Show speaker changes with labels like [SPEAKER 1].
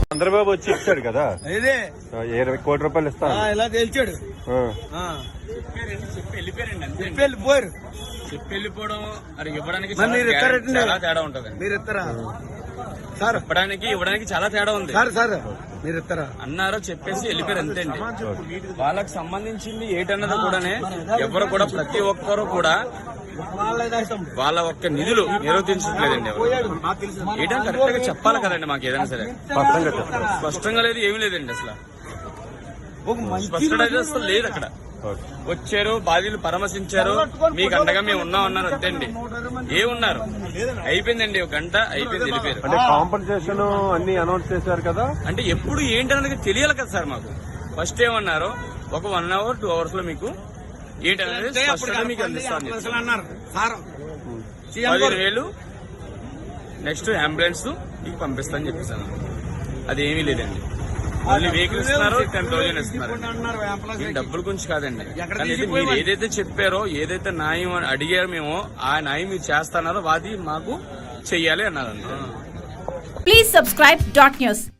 [SPEAKER 1] చంద్రబాబు వచ్చి ఇచ్చాడు కదా,
[SPEAKER 2] ఇదే
[SPEAKER 1] 20 కోట్ల రూపాయలు ఇస్తాను
[SPEAKER 2] ఇలా తెలిచాడు. వెళ్ళిపోయారు.
[SPEAKER 3] వెళ్ళిపోవడం అది ఇవ్వడానికి
[SPEAKER 2] మీరు
[SPEAKER 3] చాలా తేడా ఉంటది.
[SPEAKER 2] మీరు ఇస్తారా సార్?
[SPEAKER 3] ఇవ్వడానికి చాలా తేడా ఉంది
[SPEAKER 2] సార్. మీరు ఇస్తారా
[SPEAKER 3] అన్నారో చెప్పేసి వెళ్ళిపోయారు అంతే అండి. వాళ్ళకి సంబంధించింది ఏటన్నది కూడానే ఎవరు కూడా ప్రతి ఒక్కరు కూడా వాళ్ళ ఒక్క నిధులు నిర్వర్తించట్లేదండి. ఏటని కరెక్ట్ గా చెప్పాలి కదండి మాకు ఏదైనా సరే. స్పష్టంగా లేదు, ఏమీ లేదండి అసలు. స్పష్టత అయితే అసలు లేదు. అక్కడ వచ్చారు, బాధ్యులు పరామర్శించారు, మీకు అండగా మేము ఉన్నాం అన్నారు అంతే అండి. ఏమున్నారు? అయిపోయిందండి, 1 గంట అయిపోయింది, వెళ్ళిపోయారు.
[SPEAKER 1] అంటే కాంపెన్సేషన్ అన్ని అనౌన్స్ చేశారు కదా,
[SPEAKER 3] అంటే ఎప్పుడు ఏంటన్నది తెలియాలి కదా సార్ మాకు. ఫస్ట్ ఏమన్నారు, ఒక 1 hour 2 hours లో మీకు ఏంటనేది స్పష్టంగా మీకు అందిస్తాను. 15,000 నెక్స్ట్ అంబులెన్స్ మీకు పంపిస్తానని చెప్పేసాను. అదేమీ లేదండి. ఓన్లీ వెహికల్ ఇస్తున్నారు, 10,000 ఇస్తున్నారు. డబ్బుల గురించి కాదండి. కానీ మీరు ఏదైతే చెప్పారో, ఏదైతే న్యాయం అడిగారో మేము ఆ న్యాయం మీరు చేస్తున్నారో అది మాకు చెయ్యాలి అన్నారండి.
[SPEAKER 4] Please subscribe .news